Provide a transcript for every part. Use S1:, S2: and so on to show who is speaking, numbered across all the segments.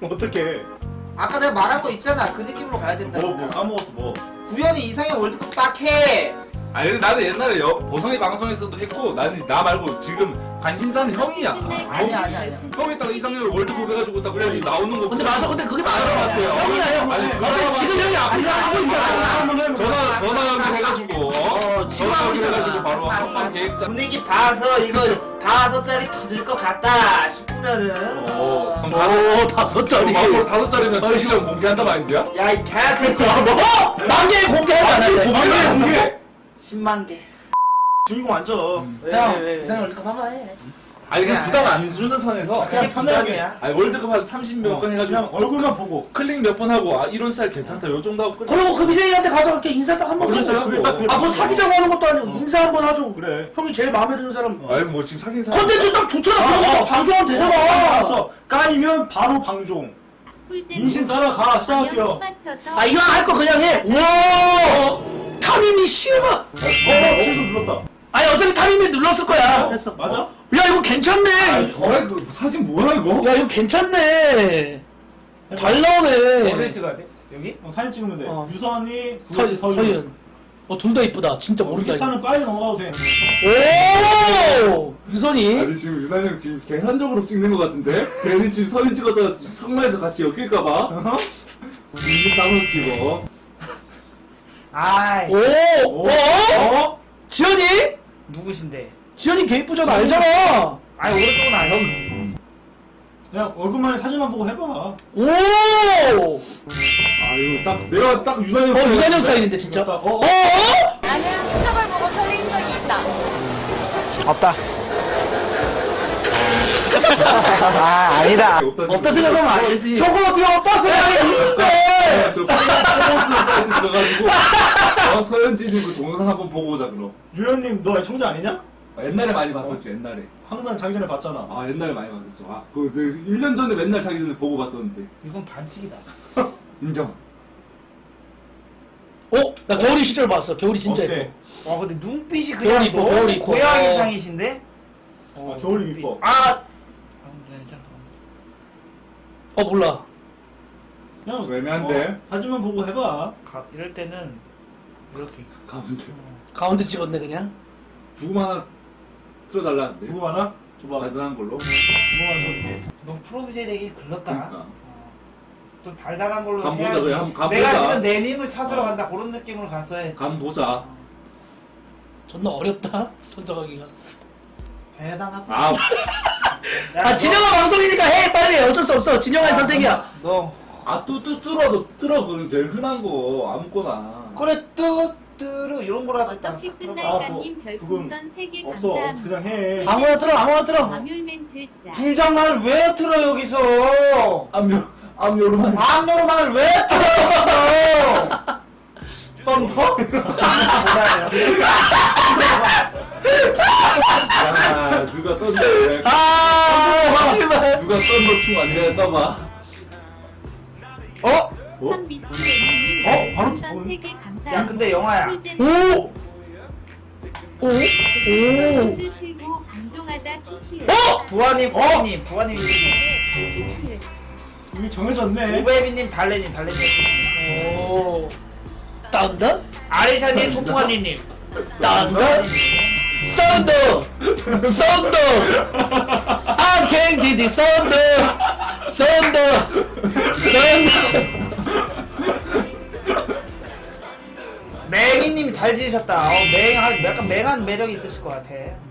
S1: 어떻게?
S2: 아까 내가 말한 거 있잖아. 그 느낌으로 가야 된다.
S1: 뭐 까먹었어 뭐.
S2: 구현이 이상형 월드컵 딱 해.
S3: 아니 근데 나는 옛날에 보성이 방송에서도 했고 나는 나 말고 지금 관심사는 형이야.
S2: 아니야.
S3: 형이 딱 이상형 월드컵 해가지고 딱 그래 나오는 거.
S4: 근데 맞아. 근데 그게 맞는 것 같아요. 형이야 형.
S3: 아니
S4: 근데 지금 형이 앞으로 하고 있잖아.
S3: 전화 연결해가지고
S4: 지금
S3: 전화
S4: 하고 있잖아.
S3: 연결해가지고 바로 한번 계획 짜.
S2: 분위기 봐서 이거 5짜리 터질 것 같다 싶으면은
S3: 오,
S4: 오 5짜리.
S3: 앞으로 5짜리면 시간 공개한다 마인드야?
S2: 야 이 개새끼야.
S4: 뭐? 만개 공개하지 않았네.
S3: 공개 공개.
S2: 10만 개.
S1: 주인공 앉아.
S2: 왜?
S4: 이상형 월드컵 한번 해.
S3: 아니 그냥 부담 안 주는 선에서
S2: 그게
S1: 편하게.
S2: 부담이야.
S3: 아니 월드컵 한 30몇 건 해가지고
S1: 그냥 얼굴만 보고.
S3: 클릭 몇 번 하고 아 이런 스타일 괜찮다 요 정도 하고 끝.
S4: 그리고 그 BJ한테 가서 이렇게 인사 딱 한번
S3: 그렇죠.
S4: 하고.
S1: 그게 딱 그게
S4: 뭐 사귀자고 하는 것도 아니고 인사 한번 하죠.
S1: 그래.
S4: 형이 제일 마음에 드는 사람.
S3: 아니 뭐 지금 사귄 사람.
S4: 컨텐츠 딱 좋잖아. 그러니까 방송하면 되잖아.
S1: 알았어. 까이면 바로 방종. 인신 따라가. 시작할게요.
S4: 아 이거 할 거 그냥 해. 우와. 타민이 씨발.
S1: 취소 눌렀다.
S4: 아니 어차피 타민이 눌렀을 거야. 됐어.
S1: 맞아?
S4: 야 이거 괜찮네.
S3: 사진 뭐야 이거?
S4: 야 이거 괜찮네. 잘
S2: 어디
S4: 나오네.
S2: 찍어야 돼? 여기?
S1: 사진 찍으면 돼.
S4: 어.
S1: 유선이,
S4: 서윤. 둘 다 이쁘다. 진짜 모른다. 이거.
S1: 일단은 빨리 넘어가도 돼.
S4: 오 유선이.
S3: 아니 지금 유난 형 지금 계산적으로 찍는 것 같은데? 괜히 지금 서인 찍었다가 성마에서 같이 엮일까봐? 진심 따로 찍어.
S2: 아이
S4: 오.
S1: 오.
S4: 오. 지현이?
S2: 누구신데?
S4: 지현이 개 이쁘잖아. 알잖아.
S2: 아니 오른쪽은 아니지.
S1: 그냥 얼굴만 사진만 보고 해봐.
S4: 오.
S3: 아 이거 딱 내가 딱 유난 형.
S4: 유난형 스타일인데 진짜.
S1: 어?
S4: 어?
S5: 나는 수첩을 보고 설레인 적이 있다.
S2: 없다. 아 아니다.
S4: 없다 생각하면 안 되지.
S2: 저거 어떻게 없다 생각해?
S3: 저 프로모스 사이트 들어가지고 서현진이 그 동영상 한번 보고 오자 그럼.
S1: 유현님 너 청자 아니냐?
S3: 옛날에 많이 봤었지 옛날에.
S1: 항상 자기 전에 봤잖아.
S3: 아 옛날에 많이 봤었죠. 아그 1년 전에 맨날 자기 전에 보고 봤었는데.
S2: 이건 반칙이다.
S3: 인정.
S4: 나 겨울이 시절 봤어. 겨울이 진짜
S1: 어때?
S4: 예뻐.
S2: 와 근데 눈빛이
S4: 겨울
S2: 그냥
S4: 이뻐, 겨울 이뻐.
S2: 고양이상이신데?
S1: 아, 겨울이 이뻐.
S2: 아
S4: 몰라.
S1: 그냥
S3: 애매한데?
S1: 사진만 보고 해봐.
S2: 이럴 때는 이렇게.
S3: 가운데.
S4: 가운데 찍었네 그냥.
S3: 부금 하나 틀어달라는데.
S1: 누구 하나? 줘봐.
S3: 짜증난 걸로.
S1: 누구 하나 쳐줄게.
S2: 너 프로비제 되기 글렀다.
S3: 그러니까.
S2: 좀 달달한 걸로
S3: 감 보자,
S2: 해야지.
S3: 그래. 한번 감
S2: 내가
S3: 보자.
S2: 지금 내 님을 찾으러 간다 그런 느낌으로 갔어야지.
S3: 감 보자.
S4: 존나 어렵다. 선정하기가.
S2: 대단하다.
S3: 아
S2: 야,
S4: 진영아 방송이니까 해 빨리. 어쩔 수 없어. 진영아의 선택이야.
S2: 너
S3: 뚫어 그건 제일 흔한 거 아무거나.
S2: 그래 뚜뚜루 이런 거라도 딱
S5: 어떡지
S2: 들어봐.
S5: 끝날까님
S1: 그건
S5: 별풍선 3개
S1: 없어.
S5: 감사합니다.
S1: 그냥 해.
S4: 아무나 들어. 아무나 들어.
S5: 마뮬 멘트 짜.
S2: 불장난을 왜 틀어 여기서?
S3: 암요로만.
S2: 암노르만을 왜 틀어 여기서? 떤더?
S3: 야 누가 떤데?
S4: 제발.
S3: 누가 떤거충 아니라 떠봐.
S2: 어?
S5: 선미치로니님
S1: 바로
S5: 별풍선 3개 감사합니다.
S2: 야 근데 영화야.
S4: 오. 오.
S5: 포즈 틀고 방종하자 키키을.
S2: 부하님, 부하님, 부하님
S5: 키키을.
S1: 이미 정해졌네.
S2: 오베비님, 달래님 해주시네.
S4: 오. 딴다?
S2: 아리샤님, 소풍아니님.
S4: 딴다? 썬더! 썬더! I can get it, 썬더! 썬더! 썬더!
S2: 맹이님 잘 지으셨다. 약간 맹한 매력이 있으실 것 같아.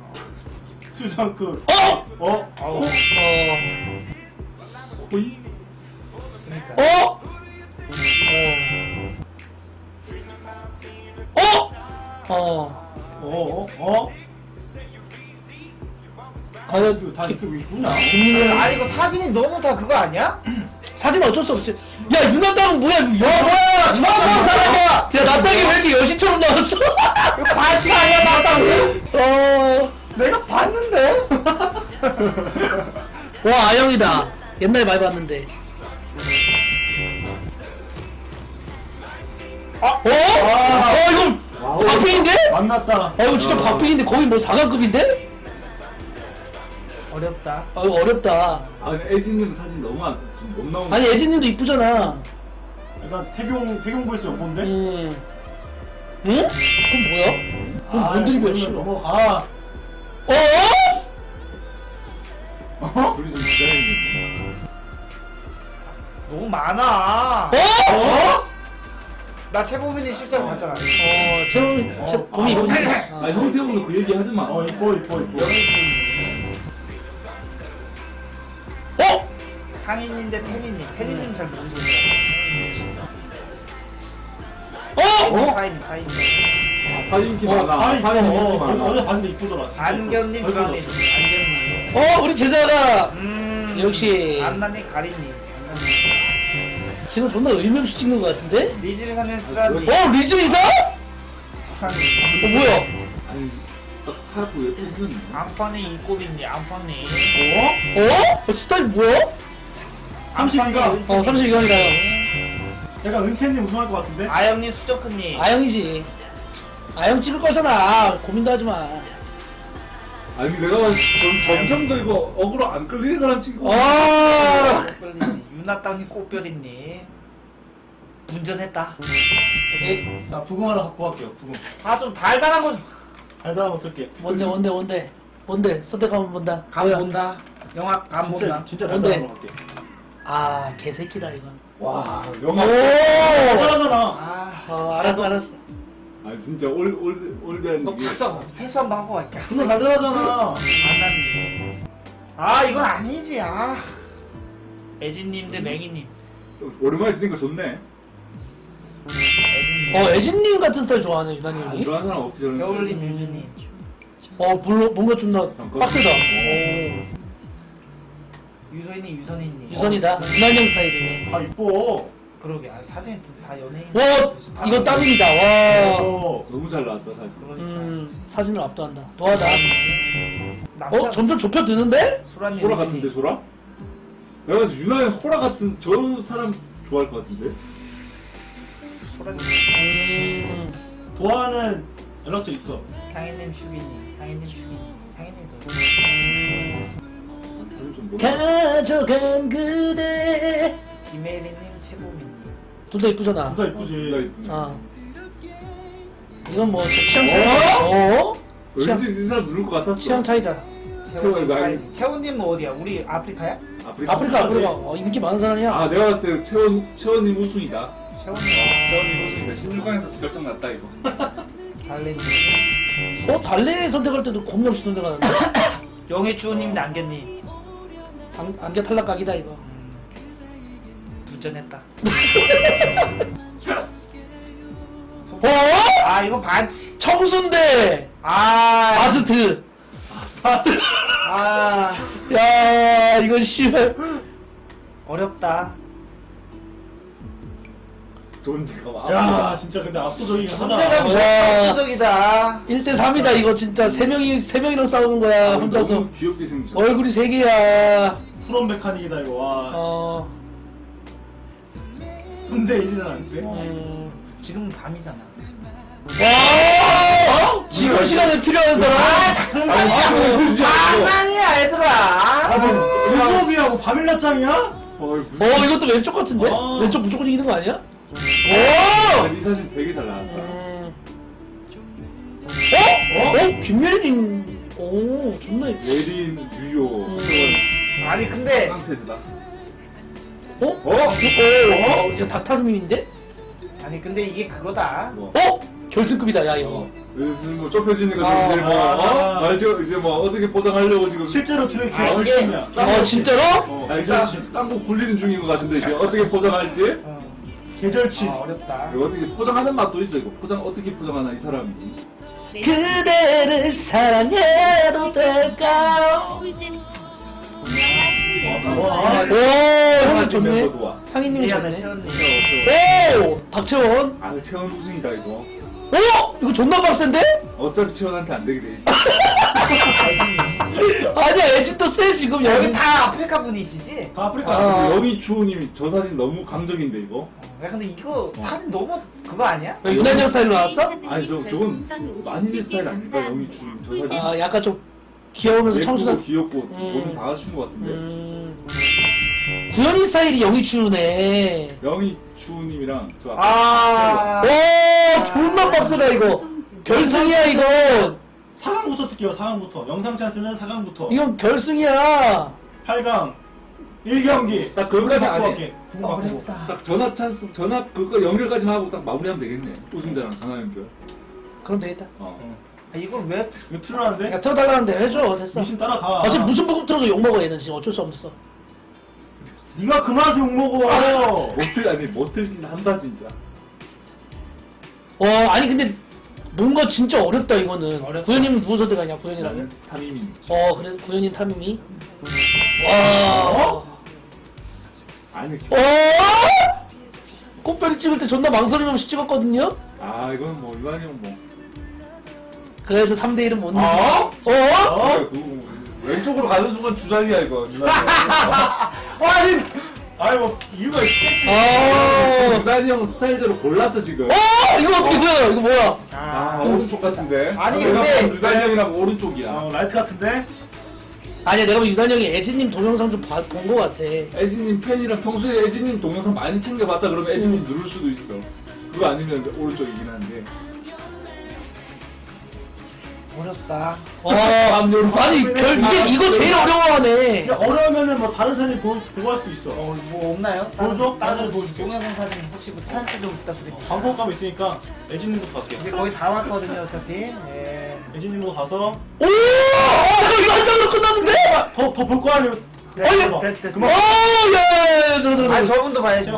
S1: 수정급.
S4: 어?
S1: 어?
S4: 호이?
S2: 그러니까.
S4: 어?
S1: 어?
S4: 과연
S1: 다 이렇게 있구나.
S4: 김민호
S2: 아니 이거 사진이 너무 다 그거 아니야?
S4: 사진 어쩔 수 없지. 야 윤한당은 뭐야? 야 뭐야? 처음 본 사람이야. 야 나땅이 왜 이렇게 여신처럼 나왔어?
S2: 이거 반칙 아니야 나땅이?
S4: 내가 봤는데. 와 아영이다. 옛날에 많이 봤는데. 이거 박빙인데?
S1: 만났다.
S4: 이거 진짜 박빙인데 거의 뭐 4강급인데?
S2: 어렵다.
S4: 이거 어렵다.
S3: 아 근데 애진님 사진 너무 좀못 나오는.
S4: 아니 애진님도 이쁘잖아.
S1: 약간 태경보에서 연본데?
S4: 응? 그럼 뭐야? 그럼 뭔 드립이야 씨.
S1: 넘어가.
S3: 둘이 좀 기다리는데.
S2: 너무 많아.
S4: 어?
S2: 나 최고민이 실제로 봤잖아.
S4: 제 몸이 이쁘지.
S3: 아 형태형도 그 얘기 하지 마.
S1: 이뻐.
S2: 항인인데 태니님. 태니님 잘 모르시겠어요. 파인.
S3: 파인 인기 많아. 파인 인기 많아.
S1: 어제 봤는데 이쁘더라. 진짜.
S2: 안견님,
S1: 얼굴
S2: 주황님.
S1: 넣었어.
S2: 안견님.
S4: 우리 제자가
S2: 음.
S4: 역시
S2: 안나님, 가린님.
S4: 지금 존나 의명수 찍는 것 같은데?
S2: 리즈를 사는 스라님.
S4: 리즈 이사?
S2: 스라님.
S4: 뭐야?
S3: 아니 딱 하얗고 예쁘게 생겼네.
S2: 안파니 이꼬비님. 안파니.
S4: 스타일 뭐야?
S1: 32가.
S4: 32강이다.
S1: 약간 은채님 우승할 것 같은데?
S2: 아영님, 수정크님.
S4: 아영이지. 아영 찍을 거잖아. 고민도 하지 마.
S3: 아니 내가 점점 더 이거 어그로 안 끌리는 사람 친구.
S2: 꽃별이님. 유나땅님, 꽃별이님. 분전했다.
S4: 오케이.
S1: 나 부금 하나 갖고 갈게요. 부금.
S2: 좀 달달한 거 좀.
S1: 달달한 거 들게.
S4: 뭔데? 선택하면 본다.
S2: 감
S4: 뭐야?
S2: 본다. 영화 감 본다.
S1: 진짜
S4: 뭔데?
S1: 달달한 거 갈게.
S4: 개새끼다 이건.
S3: 와
S4: 오!
S3: 영화.
S1: 달달하잖아.
S4: 알았어.
S3: 아 진짜 올드한
S2: 너
S3: 이게.
S2: 박사 세수 한번 하고 갈게.
S1: 진짜 달달하잖아.
S2: 안나님. 이건 아니지. 애진님 대 맹이님.
S3: 오랜만에 들으니까 좋네.
S2: 애진님.
S4: 애진님 같은 스타일 좋아하네 유난히
S3: 안
S4: 형이.
S3: 좋아하는 사람 없지 저런.
S2: 겨울님, 유주님.
S4: 뭔가 존나
S3: 잠깐.
S4: 빡세다.
S2: 유소희님, 유선희님.
S4: 유선이다. 유난히 형 스타일이네.
S1: 다 이뻐.
S2: 그러게. 사진이 다 연예인.
S4: 와, 이거 땀입니다. 와.
S3: 너무 잘 나왔다 사진.
S4: 사진을 압도한다. 노하다.
S2: 남자.
S4: 점점 좁혀드는데?
S2: 소라님.
S3: 소라 같은데 소라? 내가 그래서 유나의 소라 같은 저 사람 좋아할 것 같은데?
S2: 소라님.
S1: 도화는 연락처 있어.
S2: 향인님, 슈기님. 향인님, 슈기님. 향인님도.
S3: 사진 좀
S4: 가져간 그대.
S2: 김혜리님, 최보민님.
S4: 둘 다 이쁘잖아.
S1: 둘 다 이쁘지.
S4: 이건 뭐 취향 차이다.
S3: 왠지 이 사람 누를 것 같았어.
S4: 취향 차이다.
S3: 채원이
S2: 채원님. 채원님은 어디야? 우리 아프리카야?
S4: 아프리카. 인기 많은 사람이야.
S3: 아 내가 봤을 때 채원님 우승이다.
S2: 채원님.
S3: 채원님 우승이다. 16강에서 결정 났다 이거.
S2: 달래님.
S4: 달래 선택할 때도 고민 없이 선택하는데.
S2: 영애주호님, 남견님.
S4: 안개 탈락각이다 이거.
S2: 분전했다. 이거 반치.
S4: 청순대 아스트. 야 이건 씨발.
S2: 어렵다.
S3: 존재가 막.
S1: 야, 진짜 근데 압도적이긴
S2: 존재감이
S1: 하다.
S4: 와.
S2: 압도적이다.
S4: 1대3이다 이거 진짜. 세 명이랑 싸우는 거야 혼자서.
S3: 너무 귀엽게 생겼어.
S4: 얼굴이 3개야.
S1: 프롬 메카닉이다 이거. 와. 근데 이제는 안 돼.
S2: 지금은 밤이잖아.
S4: 와 지금 시간에 필요한 사람.
S2: 장난이야, 얘들아.
S1: 수업이하고 밤일낮장이야?
S4: 이것도 왼쪽 같은데? 왼쪽 무조건 이기는 거 아니야?
S3: 이 사진 되게 잘 나왔다.
S4: 김예린. 존나
S3: 예린, 유효, 채원.
S2: 아니, 근데.
S3: 깡체즈다.
S4: 이거 닥타루민인데?
S2: 아니, 근데 이게 그거다.
S4: 결승급이다 야 이거.
S3: 그래서 뭐 좁혀지니까 이제 뭐 알죠? 이제 뭐 어떻게 포장하려고 지금.
S1: 실제로 둘의
S2: 이게
S1: 결승이야.
S4: 진짜로?
S3: 짱구 굴리는 중인 것 같은데 이제 어떻게 포장할지.
S1: 계절친.
S2: 어렵다.
S3: 이거 어떻게 포장하는 맛도 있어 이거. 어떻게 포장하나 이 사람이.
S4: 그대를 사랑해도 될까요?
S5: 꿀잼. 유명한
S1: 와.
S5: 멤버
S4: 형님 좋네.
S3: 멤버 좋아.
S4: 향이님이
S2: 미안해,
S4: 좋네.
S2: 채원님.
S4: 닥채원.
S3: 아 채원 우승이다 이거.
S4: 이거 존나 빡센데?
S3: 어차피 채원한테 안 되게 돼 있어.
S4: 아니야 애진도 세 지금
S2: 여기 다 아프리카 분이시지?
S1: 다 아프리카.
S3: 근데 영희 주호님이 저 사진 너무 감정인데 이거.
S2: 야, 근데 이거 사진 너무 그거 아니야?
S4: 왜 유난형 스타일로 나왔어?
S3: 아니 저건 많이 내 스타일 아닌가 영희 주호님 저 사진.
S4: 약간 좀 귀여우면서 청순한.
S3: 예쁘고 귀엽고 모든 다 갖춘 것 같은데.
S4: 구현이 스타일이 영희추네.
S3: 영희 주님이랑 저 아까
S2: 아.
S4: 오, 존나 빡세다 이거. 결승이야 이거.
S1: 4강부터 쓸게요. 4강부터. 영상 찬스는 4강부터.
S4: 이건 결승이야.
S1: 8강 1경기.
S3: 딱 그거까지 안 해.
S1: 할게. 부금 바꾸고.
S2: 어렵다.
S3: 딱 전화 찬스 전화 그거 연결까지만 하고 딱 마무리하면 되겠네. 우승자랑 전화 연결.
S4: 그럼 되겠다.
S2: 아, 이걸 왜
S1: 이거 틀어놨는데?
S4: 야 틀어달라는 대로 해줘. 됐어.
S1: 미신 따라가.
S4: 어차피 무슨 부금 틀어도 욕먹어 얘는 지금 어쩔 수 없어.
S1: 네가 그만해서 욕먹어.
S3: 못 들긴 한다 진짜.
S4: 아니 근데 뭔가 진짜 어렵다 이거는.
S2: 어렵다.
S4: 구현님은 누구 선택하냐 구현이라면?
S3: 타미민.
S4: 그래 구현이 타미미. 와.
S3: 아니
S4: 꽃별이 찍을 때 존나 망설임 없이 찍었거든요?
S3: 아 이건 뭐 이거는 뭐.
S4: 그래도 3대1은 못 이기지.
S3: 그 왼쪽으로 가는 순간 주작이야 이거.
S1: 아니, 아니 뭐 이유가 있겠지.
S3: 유단이 형 스타일대로 골랐어 지금.
S4: 이거 어떻게 보여? 이거 뭐야?
S3: 오른쪽 같은데.
S2: 아니,
S3: 내가
S2: 근데-
S3: 보면 유단이 형이랑 오른쪽이야.
S1: 라이트 같은데?
S4: 아니야 내가 보면 유단 형이 애진님 동영상 좀 본 거 같아.
S3: 애진님 팬이랑 평소에 애진님 동영상 많이 챙겨봤다 그러면 애진님 누를 수도 있어. 그거 아니면 오른쪽이긴 한데.
S2: 어렵다.
S4: 아니 이거 제일 어려워하네.
S1: 이게 어려우면은 뭐 다른 사진 보고 할 수도 있어.
S2: 뭐 없나요?
S1: 보여줘?
S2: 다른
S1: 다른 보여줄게.
S2: 동영상 사진 혹시 그 찬스 좀 부탁드릴게요.
S1: 방송감 있으니까 애진님부터 갈게.
S2: 이제 거의 다 왔거든요, 어차피. 예.
S1: 애진님부터 가서
S4: 이거 한 장으로 끝났는데?
S1: 더 볼 거 아니에요?
S2: 됐어.
S1: 그만.
S4: 야야야 저거.
S2: 아니, 저분도 봐야지.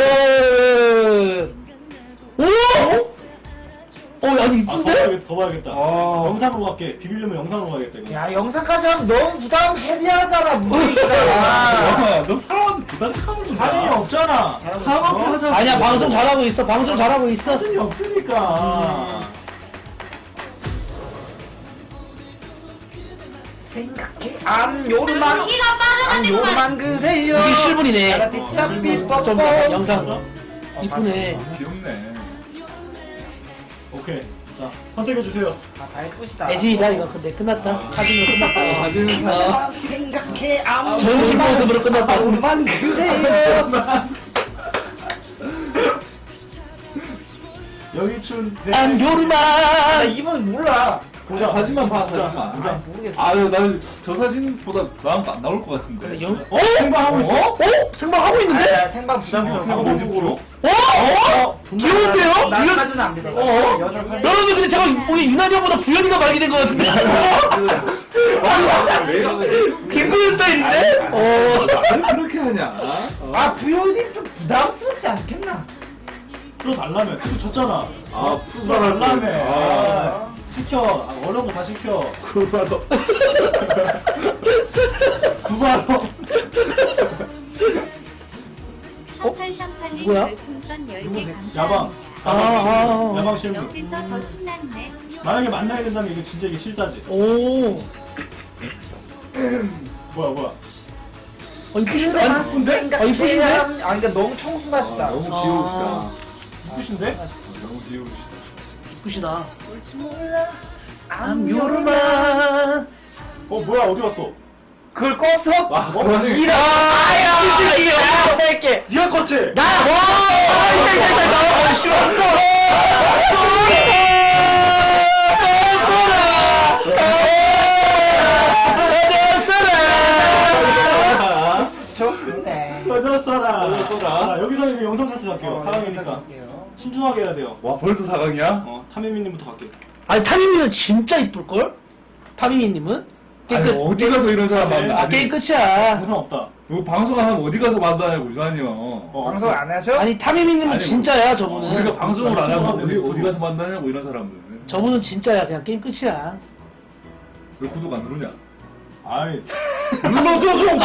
S4: 아니 이쁜데?
S1: 더 봐야겠다. 영상으로 갈게. 비비려면 영상으로 가야겠다. 이거.
S2: 야, 영상까지 하면 너무 부담 헤비하잖아, 무대니까.
S3: 너 사람한테 부담감을 좀
S1: 사진이 없잖아.
S3: 하자.
S4: 아니야 방송 잘하고 있어. 방송 잘하고 있어.
S1: 사진이 없으니까.
S2: 생각해, 안 요르만. 안 요르만 그래요.
S4: 이게 실물이네.
S2: 따삐
S4: 좀
S2: 뻑뻑.
S4: 영상 이쁘네.
S3: 귀엽네.
S1: 오케이. 자, 선택해주세요.
S2: 다 예쁘시다.
S4: 애진이다 이거 근데 끝났다. 사진으로 끝났다.
S3: 사진은
S2: 생각해, 안
S4: 정신 모습으로 끝났다.
S2: 요르만 그래요.
S1: 영희춘
S4: 안
S1: 대.
S2: 나
S4: 요르만.
S2: 이분 몰라.
S1: 보자.
S3: 사진만 봐
S1: 보자.
S3: 사진만.
S1: 보자.
S2: 모르겠어.
S3: 나는 저 사진보다 나은 거안 나올 것 같은데.
S1: 생방하고 있어?
S4: 생방하고 있는데?
S2: 아, 생방 부담스러워.
S3: 어디 보여?
S4: 귀여운데요?
S2: 나까지는 안 믿어. 여자 사진.
S4: 여러분들 근데 잠깐 우리 유난히 형보다 부연이가 발기된 것 같은데?
S3: 내가
S4: 김부연 스타일인데?
S3: 나를 그렇게 하냐?
S2: 아, 부연이 좀 부담스럽지 않겠나?
S1: 풀어달라며. 그거 줬잖아.
S3: 풀어달라며.
S1: 시켜. 어려운 거 다 시켜.
S3: 그거라도.
S1: 구바로.
S4: 누구야?
S5: 별풍선 10개
S1: 야방.
S5: 감사합니다.
S1: 야방 실물.
S5: 옆에서 더 신났네.
S1: 만약에 만나야 된다면 이거 진짜 이게 실사지.
S4: 오.
S1: 뭐야.
S4: 이쁘신데?
S2: 생각해.
S4: 이쁘신데?
S2: 그러니까 너무 청순하시다.
S3: 너무 귀여우시다.
S1: 이쁘신데?
S3: 너무 귀여우시다.
S4: 이쁘시다.
S2: 몰라.
S4: 안 요르만.
S1: 뭐야 어디 갔어?
S2: 그걸 껐어?
S3: 그러네.
S2: 야, 새끼.
S1: 니가 껐지?
S2: 좋네.
S1: 꺼졌어라.
S3: 꺼졌어라.
S1: 자, 여기서 이제 영상 찬스 갈게요. 사강이니까. 신중하게 해야 돼요.
S3: 와 벌써 4강이야?
S1: 타미미님부터 갈게.
S4: 아니 타미미는 진짜 이쁠걸? 타미미님은?
S3: 아니 어디 가서 이런 사람 만나?
S4: 아 게임 끝이야.
S1: 영상 없다.
S3: 이거 방송 안 하면 어디 가서 만나냐고 유난히 형.
S2: 방송 안 하셔?
S4: 아니 타미미님은
S3: 아니,
S4: 진짜야 저분은.
S3: 우리가 방송을 안 하면
S1: 유튜브
S3: 어디 가서 만나냐고 이런 사람들.
S4: 저분은 진짜야. 그냥 게임 끝이야.
S3: 왜 구독 안 누르냐?
S1: 아이.
S3: 눌러줘 좀.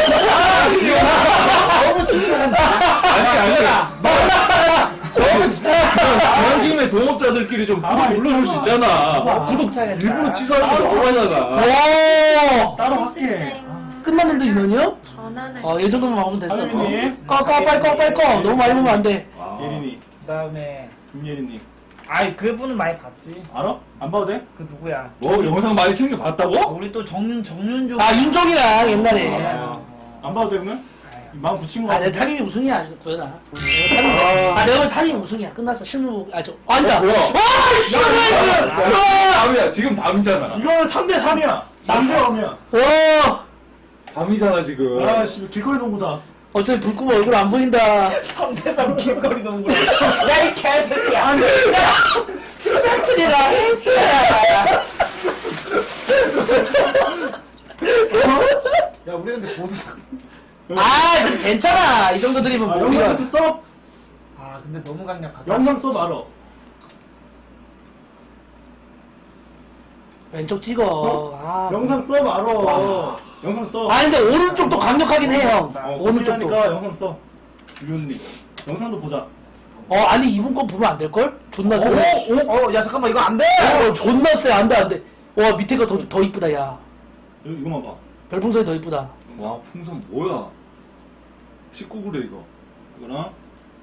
S2: 너무 칭찬한다.
S3: 아니.
S2: 너무 칭찬한다.
S3: 그런 김에 동업자들끼리 좀 구독
S1: 가만히
S3: 눌러줄 수 있잖아. 구독
S2: 칭찬했다.
S3: 일부러 취소하는 거 너무 하잖아.
S4: 오.
S1: 따로 할게.
S4: 끝났는데 유난이요?
S5: 전화는
S4: 얘 정도만 막으면 됐어.
S1: 타미미님.
S4: 꺼 빨리 꺼. 너무 많이 보면 안 돼.
S1: 예린이.
S2: 그 다음에
S1: 김예린님.
S2: 아이 그분은 많이 봤지.
S1: 알아? 안 봐도 돼?
S2: 그 누구야?
S3: 뭐 영상 많이 챙겨봤다고?
S2: 우리 또 정윤종.
S4: 아 윤종이랑 옛날에.
S1: 안 봐도 돼 그러면? 마음 붙인 거
S4: 아, 내
S1: 같은데?
S4: 탐임이 우승이야, 구현아. 내가 보면 탐임이 우승이야. 끝났어. 실무, 아니다.
S3: 뭐야?
S4: 와, 씨발!
S3: 밤이야. 지금 밤이잖아.
S1: 이거는 3대 3이야 3대 3이야
S4: 와,
S3: 밤이잖아 지금.
S1: 아씨 길거리 농구다
S4: 어차피 불 끄면 얼굴 안 보인다.
S2: 3대3 길거리 농구라. 야이 개새끼야.
S1: 아니
S4: 트리랑 헬스야.
S2: 야 우리 근데 보드.
S4: 아, 근데 괜찮아. 이 정도 드리면
S1: 아,
S4: 몸이야.
S1: 영상 써?
S2: 아 근데 너무 강력하다.
S1: 영상 써 말어
S4: 왼쪽 찍어. 아,
S1: 영상 써 말어 영상 써
S4: 아, 근데 오른쪽도 강력하긴 해, 형. 오른쪽도.
S1: 오른쪽도 영상 써 유현님 영상도 보자
S4: 아니, 이분 거 보면 안 될걸? 존나 세.
S2: 야 잠깐만 이거 안 돼.
S4: 존나 세. 안 돼, 안 돼. 와, 밑에 거 더 이쁘다, 야.
S1: 이거만 봐
S4: 별풍선이 더 이쁘다.
S3: 와 풍선 뭐야? 19구래 이거.
S1: 이거랑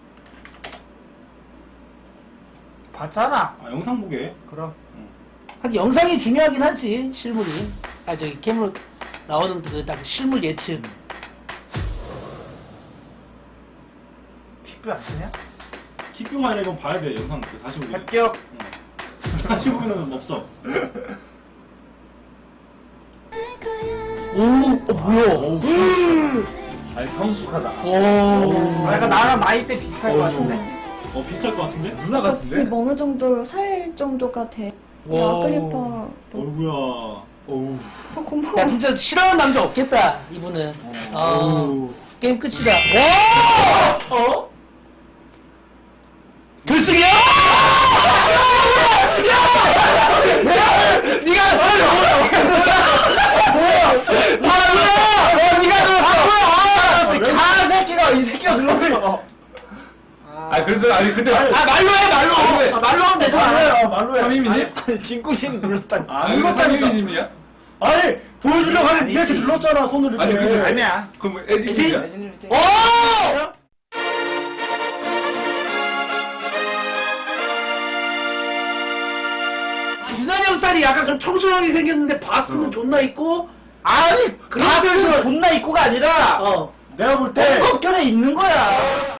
S2: 봤잖아.
S1: 아 영상 보게
S2: 그럼.
S4: 하긴 영상이 중요하긴 하지, 실물이. 아, 저기 캠으로 나오는 그 딱 실물 예측.
S2: 킥뷰 안 되냐?
S1: 킥뷰가 아니라 이건 봐야 돼 영상 다시 보기
S2: 합격.
S1: 다시 보기는 없어
S4: 오, 뭐야.
S3: 아니 성숙하다.
S4: 오.
S2: 약간 나랑 나이대 비슷할 것 같은데.
S1: 비슷할 것 같은데?
S3: 누나 같은데?
S5: 지금 어느 정도 살 정도가 돼.
S4: 와.
S5: 야, 크리퍼.
S1: 어이구야
S3: 어우.
S5: 고마워.
S4: 야, 진짜 싫어하는 남자 없겠다, 이분은.
S3: 어우.
S4: 게임 끝이다. 와!
S3: 어?
S4: 결승이야! 니가 뭐야? 니가 들었어.
S2: 아 새끼가 이 새끼가 눌렀어.
S3: 아 그래서 아니 근데
S4: 말로 해, 말로. 말로 하면 되잖아.
S1: 말로 해
S3: 삼이미님?
S2: 진구신 눌렀다니.
S1: 안
S3: 이거
S1: 눌렀다니까
S3: 삼이미님이야?
S1: 아니 보여주려고 하는데 니가
S2: 아니지.
S1: 이렇게 눌렀잖아 손을 이렇게
S3: 아니 근데
S2: 아니야.
S3: 그럼 애지님이야?
S4: 오! 유난히 형 스타일이 약간 그럼 청소형이 생겼는데 바스는 존나 있고
S2: 아니 바스는 존나 입고가 아니라
S4: 어
S1: 내가 볼때
S2: 엉겁결에 있는 거야.